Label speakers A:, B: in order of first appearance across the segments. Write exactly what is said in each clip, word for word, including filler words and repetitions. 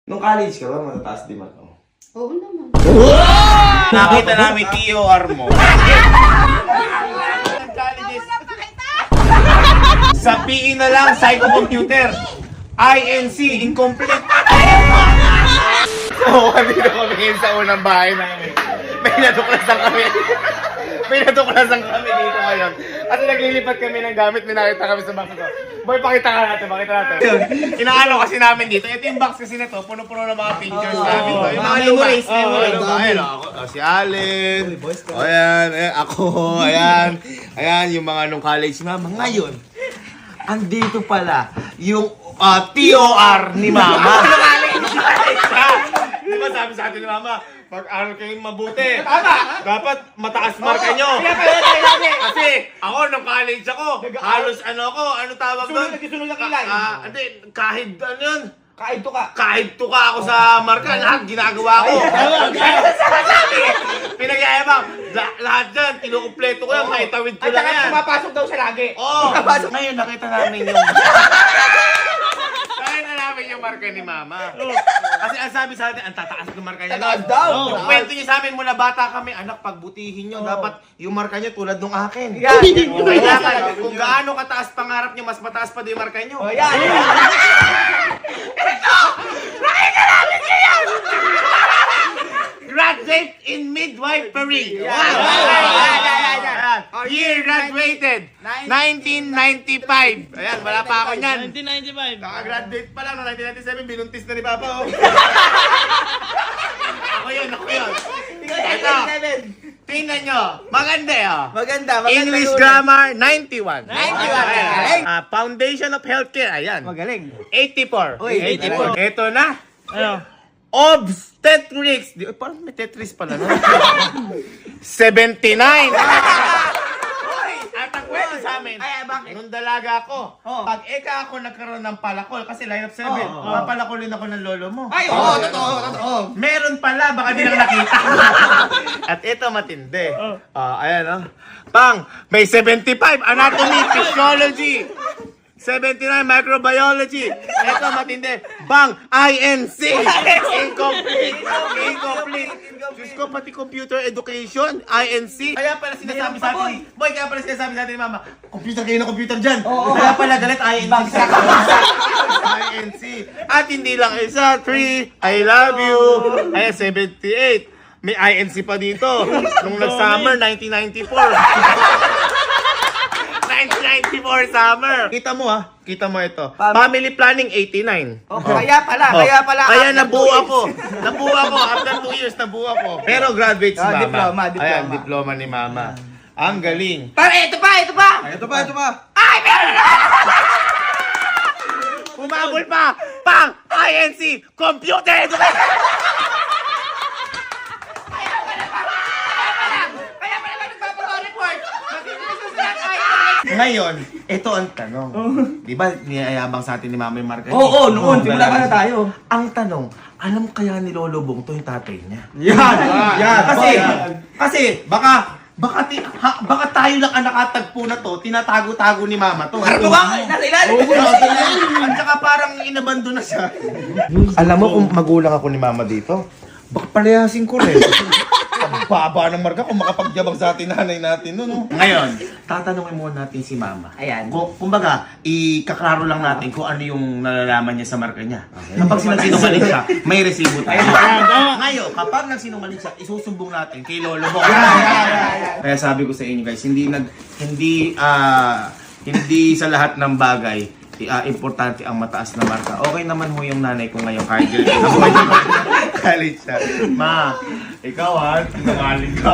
A: Nung college ka ba, matataas di man?
B: Oo naman.
C: Wow! Nakita namin T O R mo. Sa P E na lang, Psycho-Computer. I N C, incomplete. Oo, dito kami ngayon sa unang bahay namin. May natuklasan kami. May natuklasan kami dito ngayon. Kasi naglilipat kami ng gamit, may nakita kami sa box ko. Boy, pakita ka natin, pakita natin. Inaano kasi namin dito. Ito yung box kasi na to, puno-puno ng mga pictures
A: Oh,
C: namin to. Yung mga memories, memories. Ayan, ako, oh, si Allen. Oh, ayan, ayan, ako, ayan. Ayan, yung mga nung college mama. Ngayon, andito pala yung uh, T O R ni Mama. Di ba sabi sa atin ni Mama, pag-aral kayong mabuti. Tama! Dapat mataas marka nyo. Kasi ako, nung college ako, halos ano ako, ano tawag doon?
A: Sunod na kilay.
C: Ah, hindi, kahit ano yun.
A: Kahit to ka.
C: Kahit tuka ako sa marka, lahat ginagawa ko. Pinagyayabang. La- lahat dyan, kinukumpleto ko yan, maitawid ko
A: At
C: lang
A: saka
C: yan.
A: pumapasok daw siya lagi.
C: Oo! Ngayon nakita namin yung... Nakita namin yung marka ni Mama. Kasi ang sabi sa atin, ang tataas ng marka niya.
A: Tataas daw.
C: Yung kwento niya sa amin mula bata kami, anak, pagbutihin nyo, dapat yung marka niya tulad nung akin.
A: Yan.
C: Kailangan, kung gaano kataas pangarap niyo, mas mataas pa din yung marka niyo.
A: Oh, yan.
C: Graduate in midwifery. Wow!
A: Yan, yan, yan, yan.
C: Year graduated, nineteen ninety-five. Ayan, wala pa ako niyan.
D: nineteen ninety-five.
C: Naka-graduate pa lang no nineteen ninety-seven, binuntis na ni Papa. Oh. Ako yun, ako yun. Ito, tingnan nyo. Maganda oh.
A: Maganda, maganda.
C: English
A: yun.
C: Grammar, ninety-one.
A: ninety-one.
C: Ayan. Ah, Foundation of Healthcare, ayan.
A: Magaling.
C: eighty-four.
A: Uy,
C: eighty-four. Ito na.
D: Ano?
C: Obstetrics. Di, parang may Tetris pala, no? seventy-nine. At ang kwento sa amin,
A: Ay, ay, bakit?
C: nung dalaga ako,
A: Oh.
C: pag eka ako nagkaroon ng palakol, kasi line of seven,
A: Oh.
C: papalakolin ako ng lolo mo.
A: Ay, oo, totoo, totoo.
C: Meron pala, baka di lang nakita. At ito matindi. Oh. ayan, oh. Pang, may seventy-five, anatomy, physiology. seventy-nine, microbiology. Ito matindi. Bang, I N C. Incomplete. Incomplete. Diyos ko, pati computer education, I N C. Kaya pala sinasabi sa atin, boy, kaya pala sinasabi sa atin ni Mama, computer kayo na computer dyan. Kaya pala galit, I N C. I N C. At hindi lang isa, three, I love you. Ay, seventy-eight. May I N C pa dito. Nung nag-summer, nineteen ninety-four. nineteen ninety-four summer. Kita mo ha, kita mo ito.
A: Pam-
C: Family planning, eighty-nine.
A: Oh, kaya pala,
C: Oh.
A: kaya pala.
C: Kaya
A: after
C: nabuo
A: two
C: ako. Nabuo ako. After two years, nabuo ako. Pero graduate si
A: Ah,
C: Mama.
A: diploma, diploma.
C: Ayan, diploma ni Mama. Ang galing.
A: Para, ito pa, ito pa.
E: Ito pa, ito pa.
C: Umabol pa! Pang! I N C! Computer education!
A: Kaya pala ba nagpapaka-report? Nagpapaka-report.
C: Ngayon, ito ang tanong. Di ba niyayabang sa atin ni Mama yung marka?
A: Oo, oo, noon. Simula pa na tayo.
C: Ang tanong, alam kaya ni Lolo Bong to yung tatay niya?
A: Yan, yan.
C: Kasi, kasi, baka, baka, ti, ha, baka tayo lang ang nakatagpo na to, tinatago-tago ni Mama to.
A: Ano ba? Nasa ilalim.
C: At saka parang inabando na siya. Alam mo kung magulang ako ni Mama dito, baka palayasin ko rin. Ang baba ng marka kung makapagyabang sa atin nanay natin, no, no? Ngayon, tatanungin muna natin si Mama.
A: Ayan.
C: Kung, kumbaga, ikaklaro lang natin kung ano yung nalalaman niya sa marka niya. Kapag sinagsinungaling siya, may resibo tayo. Ngayon, kapag nagsinungaling siya, isusumbong natin kay Lolo Bong. Kaya sabi ko sa inyo guys, hindi nag hindi ah hindi sa lahat ng bagay uh, importante ang mataas na marka. Okay naman ho yung nanay ko ngayon kahit girl ako. College siya. Ma, ikaw ha, sinungaling ka.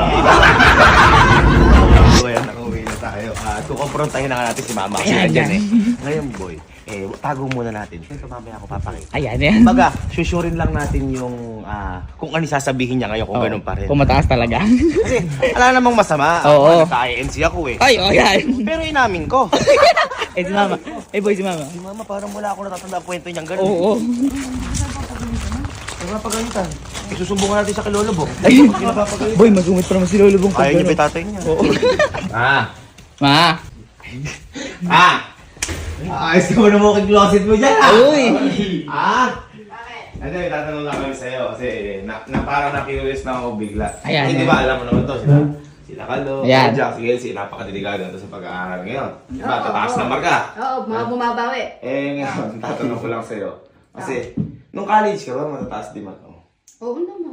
C: So ayan, nakauwi na tayo. Uh, kukomprontahin na nga natin si Mama. Kasi
D: Ayan,
C: nandyan
D: yan.
C: eh. Ngayon boy, eh, tago muna natin. Ito mamaya ako papakita.
D: Ayan, yan.
C: Kumbaga, susurin lang natin yung ah, kung ano sasabihin niya ngayon kung ganun pa rin.
D: Kung mataas talaga.
C: Kasi wala namang masama.
D: Oo.
C: Naka-I N C ako eh.
D: Ay, oh, yan.
C: Pero inamin ko.
D: Eh, si Mama. Eh, boy, si Mama.
C: Si Mama parang wala ako natatanda ang kwento niyang ganun.
D: Oo, oo.
C: Ay, mapagalitan. Isusumbungan natin sa kay Lolo Bong.
D: Ay, boy, magumit pa naman si Lolo Bong.
C: Ayaw niya ba yung tatay niya?
D: Oo.
C: Ah!
D: Ma.
C: Ah! Ayos ka mo na mo kay closet mo dyan ah!
D: Uy.
C: Ah! Ano yung tatanong lang kami sa'yo kasi na, na parang na-curious na ako bigla.
D: Ayan,
C: Hindi
D: ayan.
C: ba alam mo naman to, sila, sila Kalo,
D: Ayan.
C: Jack, si Elsie, napakadelikado to sa pag-aaral ngayon. Diba,
B: Oo,
C: tataas
B: oo.
C: na marka.
B: Oo, mga bumabawi.
C: Eh ngayon, tatanong ko lang sa'yo. Kasi, nung college ka ba, matataas di man? Oh.
B: Oo naman.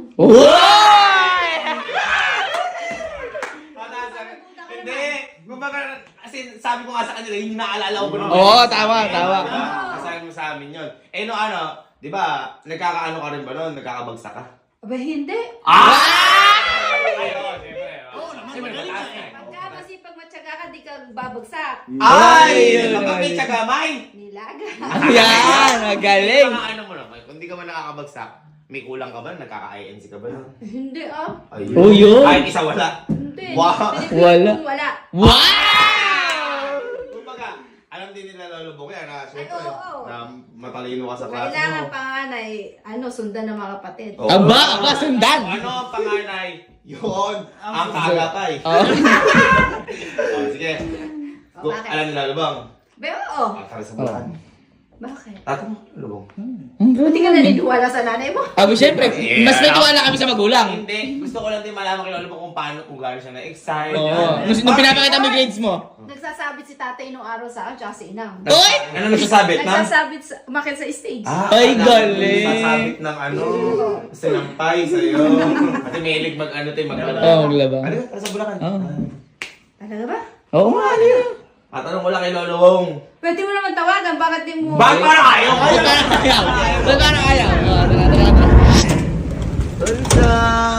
C: Hindi! Kumbaga, kasi sabi ko nga sa kanila, yung naalala ko naman.
D: Oo, tama, tama.
C: Kasabi mo sa amin yun. Eh no ano, di ba, nagkakaano ka rin ba nun? Nagkakabagsak ka?
B: Aba, hindi.
C: Ah! Ayun, siyempre. Oo naman, mataas eh.
B: Pagka masipag matyaga ka, di ka babagsak.
C: Ay! Kapag may tsagamay!
B: Nilaga.
D: Yan, magaling.
C: Mga ano mo naman, kung di ka man nakakabagsak, may kulang ka ba? Nagkaka-I N C ka ba?
B: Hindi ah.
C: Ayun.
D: Oh, yun?
C: Kahit isa wala.
B: Hindi.
C: Wow.
B: Pinipili
D: Wala.
B: kong wala.
D: Wow!
C: Kumbaga, alam din nila Lolo Bong yan na,
B: Ay,
C: syempre,
B: oo, oo.
C: na matalino ka sa klase
B: Kailangan
C: mo.
B: panganay, ano, sundan ng mga kapatid.
C: Oo.
D: Aba, aba, sundan.
C: Ano ang panganay? Yun, ang kaagapay.
D: Oh.
C: Oh, sige.
B: O,
C: Kung
B: bakit?
C: alam nila Lolo Bong,
B: Be, oo.
C: ah, tara sa bulan.
B: Bakit?
C: Tato mo, Lolo Bong.
B: Hindi ka naniniwala sa nanay mo.
D: Aba, syempre, mas may tiwala kami sa magulang.
C: Hindi, gusto ko lang din malaman kay Lolo Bong kung paano, kung gaano siya na-excite.
D: Oo.
C: Yan.
D: Nung, nung pinapakita mo yung grades mo.
B: Nagsasabit si tatay nung araw sa akin, tsaka si inang.
D: Oy!
C: Ano nagsasabit na?
B: Nagsasabit sa, umakit sa stage.
C: Ah,
D: Ay,
C: alam,
D: galing.
C: Sasabit ng ano, sinampay sa'yo. Kasi mahilig mag ano tayo, maglaba.
D: Oo, maglaba.
C: Ano yun? Tara sa Bulacan.
D: Oo.
B: Talaga ba?
D: Oo, nga, ano yun?
C: At anong wala kay Lolo Bong?
B: Pwede mo naman tawagan, bakit di mo...
C: Bakit parang ayaw?
D: Ay, parang ayaw. Ay, parang ayaw. Oo, tara, tara, tara.
C: Tulsa!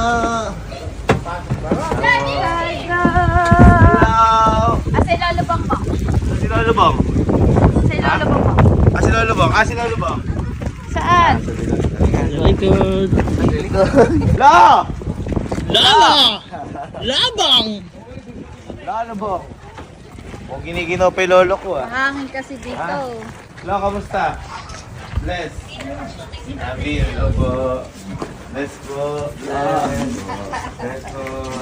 B: Daddy!
C: Hello!
B: Ah, si Lolo Bang mo.
C: Si Lolo Bong?
B: Si Lolo Bang mo.
C: Ah, si Lolo Bong? Ah, si Lolo Bong?
B: Saan?
D: Likod.
C: Lo!
D: Lala! Labang!
C: Lolo Bong? Kung giniginaw pa yung lolo ko ah.
B: Mahangin kasi dito.
C: Lo, kamusta? Bless. Sabi, hello po. Bless po. Bless. Bless po.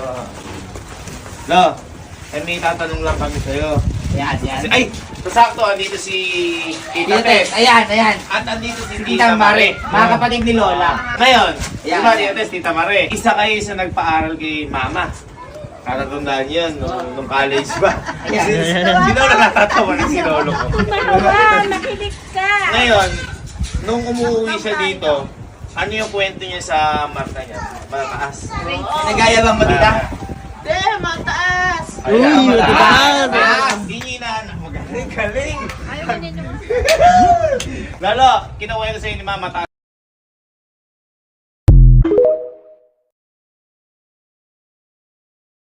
C: Lo, eh may tatanong lang kami sa'yo.
D: Yan, yan.
C: Kasi, ay! Sakto, andito si Tita Tess.
D: Ayan, ayan.
C: At andito si
D: Tita Mare, mga kapatid ni Lola.
C: Ngayon,
D: Ayan.
C: diba Tita Tess, Tita Mare, isa kayo sa nagpaaral kay Mama. Katatandaan yun, nung, nung college ba?
D: Ayan.
C: Sino sino na natatawa na si Lolo ko?
B: Nakilig ka!
C: Ngayon, nung umuwi siya dito, ano yung kwento niya sa marka niya? Mataas.
D: Nagaya bang matita?
B: De, mataas!
C: Ay,
D: Uy,
C: mataas.
D: mataas.
C: Mataas. Di niya inaanak. Magaling, galing.
B: Ayaw mo ninyo.
C: Lalo, kinuha ko sa'yo ni Mama, mataas.